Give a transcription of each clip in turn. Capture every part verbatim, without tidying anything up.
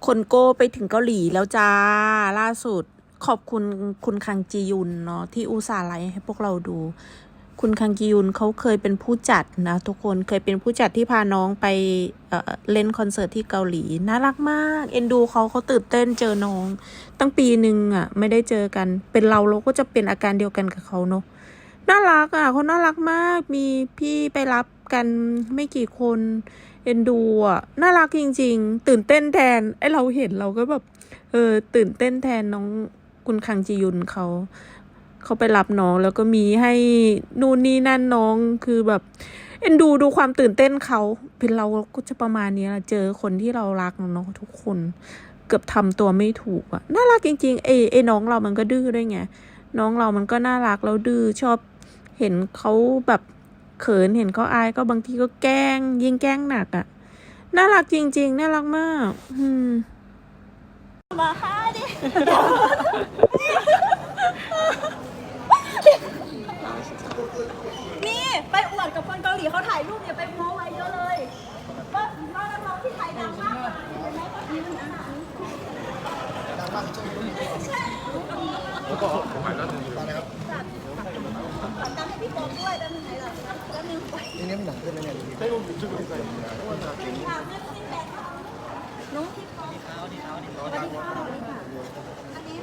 คนโก้ไปถึงเกาหลีแล้วจ้าล่าสุดขอบคุณคุณคังจียุนเนาะที่อุตส่าห์ไลฟ์ให้พวกเราดูคุณคังจียุนเขาเคยเป็นผู้จัดนะทุกคนเคยเป็นผู้จัดที่พาน้องไปเอ่อเล่นคอนเสิร์ตที่เกาหลีน่ารักมากเอ็นดูเขาเขาตื่นเต้นเจอน้องตั้งปีหนึ่งอ่ะไม่ได้เจอกันเป็นเราเราก็จะเป็นอาการเดียวกันกับเขาเนาะน่ารักอ่ะเขาน่ารักมากมีพี่ไปรับกันไม่กี่คนเอ็นดูอ่ะน่ารักจริงๆตื่นเต้นแทนไอเราเห็นเราก็แบบเออตื่นเต้นแทนน้องคุณคังจียุนเขาเขาไปรับน้องแล้วก็มีให้นู่นนี่นั่นน้องคือแบบเอ็นดูดูความตื่นเต้นเขาเป็นเราก็จะประมาณนี้ละเจอคนที่เรารักเนาะทุกคนเกือบทำตัวไม่ถูกอ่ะน่ารักจริงๆเอไอน้องเรามันก็ดื้อด้วยไงน้องเรามันก็น่ารักแล้วดื้อชอบเห็นเขาแบบเขินเห็นเขาอายก็บางทีก็แกล้งยิ่งแกล้งหนักอ่ะน่ารักจริงๆน่ารักมากอืมมาค่ะดินี่ไปอวดกับคนเกาหลีเขาถ่ายรูปเนี่ยไปโม้ไว้เยอะเลยว่าว่านักร้องที่ไทยดังมากเห็นไหมก็ยืนอันนั้นดังมากใช่แล้วก็ผมหมายแล้วตอนนี้ครับฝากการให้พี่โป๊ปด้วยด้านไหนล่ะด้านนึงไปนี่นี่มันหนังขึ้นแล้วเนี่ยใช่ผมจุดจุดใส่น้องที่เขาดีเขาดีเขาดีเขาดีเขาอันนี้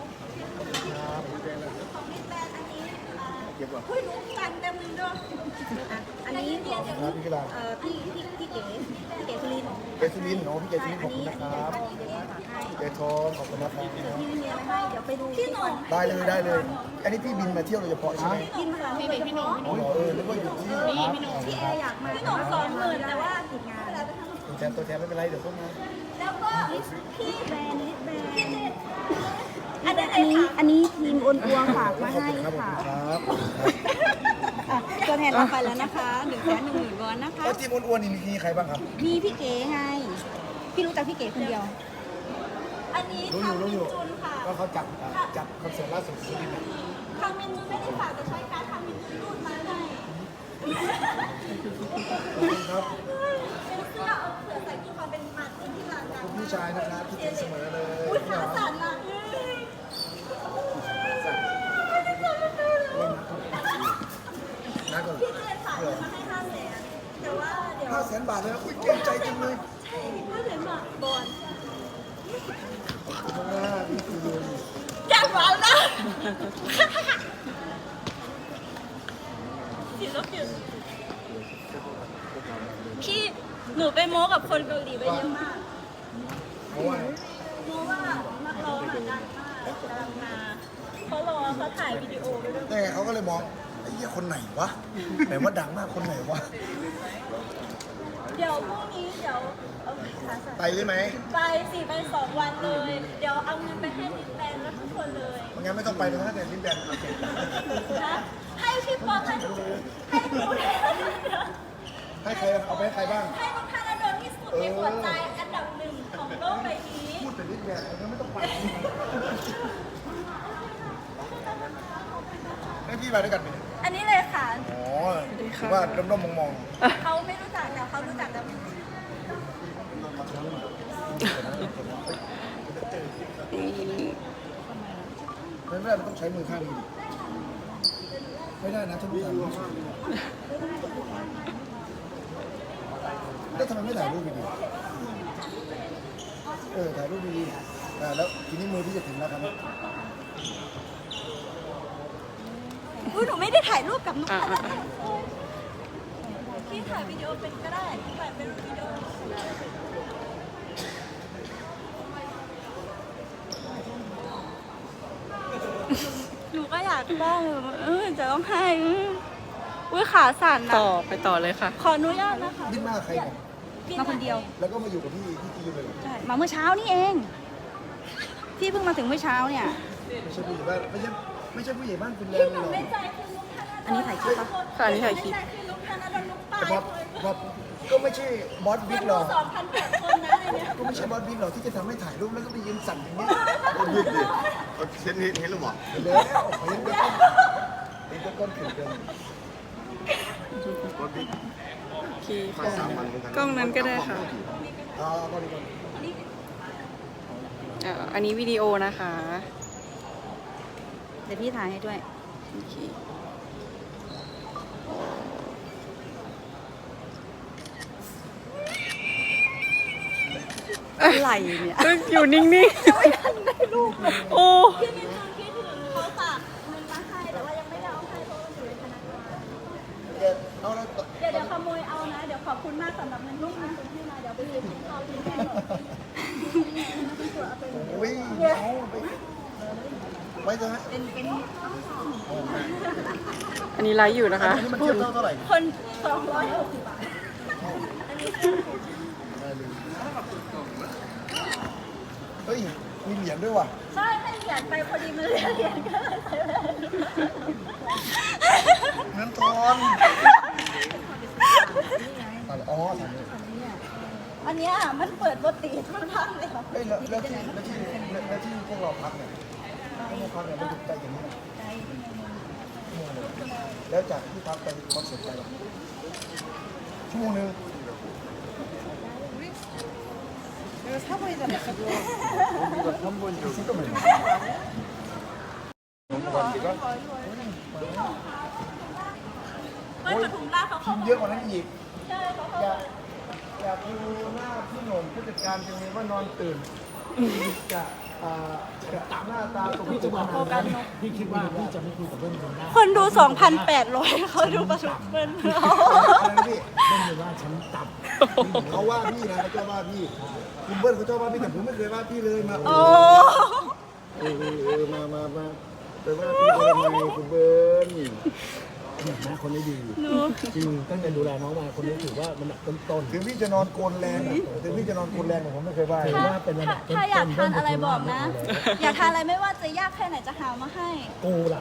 ของพี่แบนอันนี้เก็บก่อนเฮ้ยรู้กันเต็มมือด้วยอันนี้เรียนจากเอ่อพี่พี่พี่เก๋พี่เก๋สุรินทร์เกสุรินทร์เนาะพี่เกสุรินทร์ขอบคุณนะครับเกทอนขอบคุณนะครับพี่ไม่มีอะไรให้เดี๋ยวไปดูพี่หนุ่มได้เลยได้เลย อันนี้พี่บินมาเที่ยวโดยเฉพาะใช่ไหมกินมาพี่เก๋พี่หนุ่มอ๋อเออนึกว่าอยู่ที่ครับพี่แอร์อยากมาพี่หนุ่มสองหมื่นแต่ว่าติดงานตัวแทนตัวแทนไม่เป็นไรเดี๋ยวพวกมาแล้วก็พี่แบรนด์ลิสแบรนด์อันนี้อันนี้ทีมอ้วนอ้วงฝากมาให้ค่ะครับตัวแทนเราไปแล้วนะคะหนึ่งแสนหนึ่งหมื่นวอนนะคะแล้วทีมอ้วนๆนี่มีใครบ้างครับมีพี่เก๋ไงพี่รู้จักพี่เก๋คนเดียวอันนี้รู้อยู่รู้อยู่จุนค่ะว่าเขาจัดจัดคอนเสิร์ตล่าสุดสุรินทร์ทางเมนูไม่ได้ฝากแต่ใช้การทำเมนูรูดมาให้ครับเป็นเสื้อเอาเผื่อใส่ที่ความเป็นมาร์ตินที่ร้านดังพี่ชายนะครับที่เสมอเลยอุ้ยขาสั่นอ่ะนะก่อนพี่เจนฝากเงินมาให้ห้าแสนแต่ว่าเดี๋ยวห้าแสนบาทเลยนะอุ้ยเก่งใจจังเลยใช่ห้าแสนบาทบอลขอบคุณมากพี่คืออยากฟังนะศิลปินพี่หนูไปโม้กับคนเกาหลีไปเยอะมากเพราะว่าโม้ว่านักร้องดังมากกำลังมาเขารอเขาถ่ายวิดีโอไว้ด้วยแต่เขาก็เลยมองไอ้เหี้ยคนไหนวะไหนว่าดังมากคนไหนวะเดี๋ยวพรุ่งนี้เดี๋ยวเอาขาสั่นไปได้ไหมไปสี่ไปสองวันเลย เดี๋ยวเอาเงินไปให้ดิสแบนแล้วทุกคนเลยไม่งั้นไม่ต้องไปเลยถ้าเดินลิ้นแดนโอเคนะให้พี่ป๊อปให้ให้หนูให้ให้ใครเอาไปให้ใครบ้างให้น้องธนาดลที่สุดในหัวใจอันดับหนึ่งของโลกใบนี้พูดแต่ลิ้นแดนมันไม่ต้องไปให้พี่ไปด้วยกันไหมอันนี้เลยค่ะอ๋อถือว่าด้อมๆมองเขาไม่รู้จักแต่เขารู้จักแล้วๆไม่ได้มันต้องใช้มือข้างนี้ไม่ได้นะท่านผู้ชมแล้วทำไมไม่ถ่ายรูปดีๆเออถ่ายรูปดีๆอ่าแล้วทีนี้มือพี่จะถึงแล้วครับอุ้ยหนูไม่ได้ถ่ายรูปกับน้องธนาดลพี่ถ่ายวิดีโอเป็นก็ได้ถ่ายเป็นวิดีโอหนูก็อยากได้เออจะต้องให้อุ้ยขาสั่นนะต่อไปต่อเลยค่ะขออนุญาตนะคะดิ้นมากใครเนี่ยมาคนเดียวแล้วก็มาอยู่กับพี่ที่จีนเลยเหรอใช่ มาเมื่อเช้านี่เอง พี่เพิ่งมาถึงเมื่อเช้าเนี่ยไม่ใช่ผู้ใหญ่บ้านไม่ใช่ไม่ใช่ผู้ใหญ่บ้านเป็นแรที่งหเลนูยหรอไม่ใจคือลุงธนาดลอันนี้ถ่ายคลิปปะค่ะอันนี้ถ่ายคลิปไม่ใจคือลุงธนาดลลุงปาแต่ยพอพอก็ไม่ใช่บอสบิ๊กหรอกสองพันแปดคนนะอะไรเนี่ยก็ไม่ใช่บอสบิ๊กหรอกที่จะทำให้ถ่ายรูปแล้วก็ไปยืนสั่นอย่างนี้ยืดดิเห็นเห็นเห็นหรือเปล่าเห็นแล้วเห็นก็เห็นก็ก้อนขึ้นเกินรถบิ๊กโอเคมาค่ะสามวันเหมือนกันกล้องนั้นก็ได้ค่ะอ่าก็ดีก่อนนี่อ่าอันนี้วิดีโอนะคะเดี๋ยวพี่ถ่ายให้ด้วยโอเคอะไรเนี่ยอยู่นิ่งๆไม่ทันได้รูปเลยโอ้พี่มีความคิดถึงเขาฝากเงินมาให้แต่ว่ายังไม่ได้เอาให้เพราะว่าอยู่ในธนาคารเดี๋ยวเอาแล้วเดี๋ยวเดี๋ยวขโมยเอานะ เดี๋ยวขอบคุณมากสำหรับเงินลูกเงินคุณที่มาเดี๋ยวไปยืมเขาที่แม่หน่อยโอ้ยเอาไปไว้จะให้เป็นเป็นอันนี้ไลฟ์อยู่นะคะอันนี้มันเทียบเท่าเท่าไหร่คนสองร้อยหกสิบบาทเฮ้ย มีเหรียญด้วยว่ะใช่ให้เหรียญไปพอดีมันเหรียญเหรียญก็เลยใส่ไปเงินทอนอ๋อถามเลยอันเนี้ยมันเปิดปกติทุกท่านเลยค่ะเฮ้ยแล้วแล้วที่แล้วที่แล้วที่พวกเราพักเนี่ยพวกเราพักเนี่ยมันถูกใจอย่างนี้นะชั่วโมงหนึ่งแล้วจากที่พักไปคอนเสิร์ตไปล่ะชั่วโมงหนึ่ง진짜 많이 ไม่ปทุมราชเขาทีเขามเยอะกว่านั้นอีกใช่เขาอยากอยากดูหน้าพี่หนุ่มผู้จัดการจังเลยว่านอนตื่นจะอ่าจะตามหน้าตาตกใจโฟกัสนกพี่คิดว่าพี่จะไม่คุยกับเบิ้ลคนได้คนดู สองพันแปดร้อย เขาดูประทุมเปิ้ลเขาอะไรนะพี่เบิ้ลเลยว่าฉันต่ำเขาว่าพี่นะเขาชอบว่าพี่คุณเบิ้ลเขาชอบว่าพี่แต่ผมไม่เคยว่าพี่เลยมาโอ้เออเออเออมามามาไปว่าพี่เขาทำไมคุณเบิ้ลเนี่ยนะคนนี้ดีจริงตั้งแต่ดูแลน้องมาคนนี้ถือว่ามันต้นต้นถึงพี่จะนอนโกนแรงอะถึงพี่จะนอนโกนแรงแต่ผมไม่เคยว่าถือว่าเป็นระดับต้นถ้าอยากทานอะไรบอกนะๆอยากทานอะไรไม่ว่าจะยากแค่ไหนจะหามาให้กูล่ะ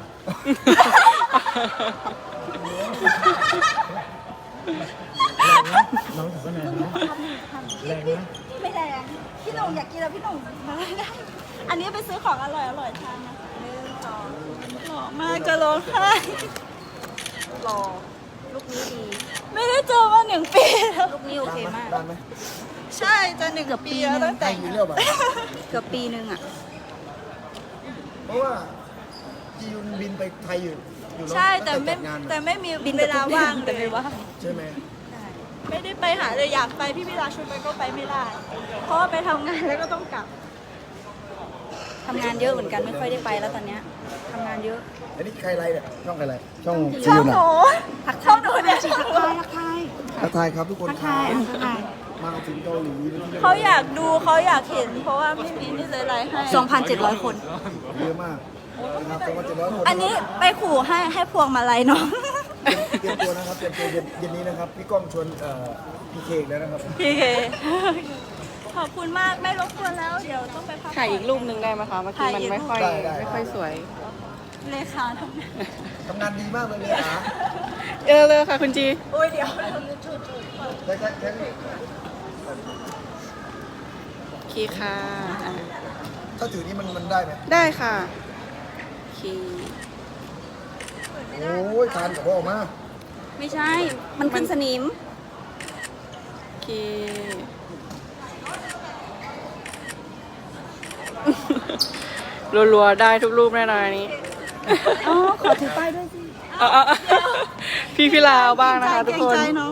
น้องถือว่าแรงนะแรงนะไม่แรง พี่หนุ่มอยากกินแล้วพี่หนุ่มมาได้ อันนี้ไปซื้อของอร่อยอร่อยทานนะหนึ่งสองหล่อมากจะร้องไห้รอลูกนี้ดีไม่ได้เจอมาหนึ่งปีแล้วลูกนี้โอเคมากได้ไหมใช่จะหนึ่งปีแล้วตั้งแต่ได้อยู่เรื่องแบบเกือบปีนึงอ่ะเพราะว่าจียุนบินไปไทยอยู่อยู่เนอะใช่แต่งไม่จัดงานแต่ไม่มีบินเวกับลาทุกเดือนว่างแต่ไม่ว่างใช่ไหมไม่ได้ไปหาเลยอยากไปพี่พิลาชวนไปก็ไปไม่ได้ เพราะว่าไปทำงานแล้วก็ต้องกลับทำงานเยอะเหมือนกันไม่ค่อยได้ไปแล้วตอนเนี้ยทำงานเยอะอันนี้ใครไรเนี่ยช่องใครไรช่องชอบจีหนูยุนชอบหนูเนี่ยทักทายทักทายครับทุกคนครับทักทายมาถึงเกาหลีเขาอยากดูเขาอยากเห็น เพราะว่าไม่มีนี่เลยไลฟ์ให้สองพันเจ็ดร้อยคนเยอะมากนะครับสองพันเจ็ดร้อยคนอันนี้ไปขู่ให้ให้พวงมาลัยน้องเตรียมตัวนะครับเตรียมตัวเย็นเย็นนี้นะครับพี่ก้องชวนเอ่อพี่เคกแล้วนะครับพี่เค ขอบคุณมากไม่รบกวนแล้ว เดี๋ยวต้องไปพักผ่นถ่ายอีกรูปหนึ่งได้ไหมคะเมื่อกี้มันไม่ค่อยได้ได้ไม่ค่อยสวยเลขาทำงานทำงานดีมากเลยเลยอ่ะเออเลยค่ะคุณจีโอ้ยเดี๋ยวใช่ใช่ใช่โอเคค่ะอ่ะถ้าถือนี่มันมันได้ไหมได้ค่ะโอเคโอ้ยทานกับพ่อออกมาไม่ใช่ มันขึ้นสนิมโอเค รัวๆได้ทุกรูปแน่นอนอันนี้อ๋อ ขอถือป้ายด้วยสิเอาเอาเอาพี่พิลาบ้างนะคะทุกคนเกรงใจน้อง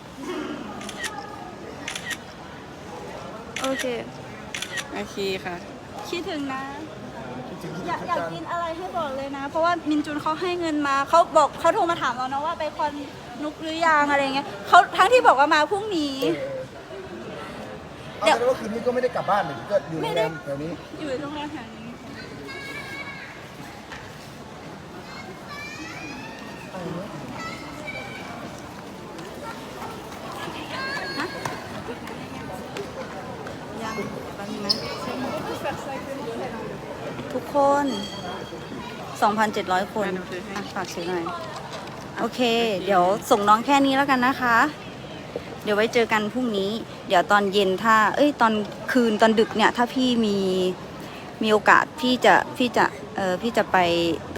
โอเคโอเคค่ะคิดถึงนะคิดถึงคิดอยากถึงอยากจานกินอะไรให้บอกเลยนะ เพราะว่ามินจุนเขาให้เงินมาเขาบอกเขาโทรมาถามเรานะว่าไปคอนนุกหรือยังอะไรเงี้ยเขาทั้งที่บอกว่ามาพรุ่งนี้เอาแต่ว่าคืนนี้ก็ไม่ได้กลับบ้านเลยก็อยู่โรงแรมแถวนี้อยู่โรงแรมแห่งนี้ยังแป๊บนึงนะทุกคน สองพันเจ็ดร้อย คนอ่ะหนูถือให้อ่ะฝากซื้อหน่อย โอเค เดี๋ยวส่งน้องแค่นี้แล้วกันนะคะ เดี๋ยวไว้เจอกันพรุ่งนี้ เดี๋ยวตอนเย็นถ้า เอ้ย ตอนคืนตอนดึกเนี่ย ถ้าพี่มี มีโอกาสพี่จะ พี่จะ เออพี่จะไป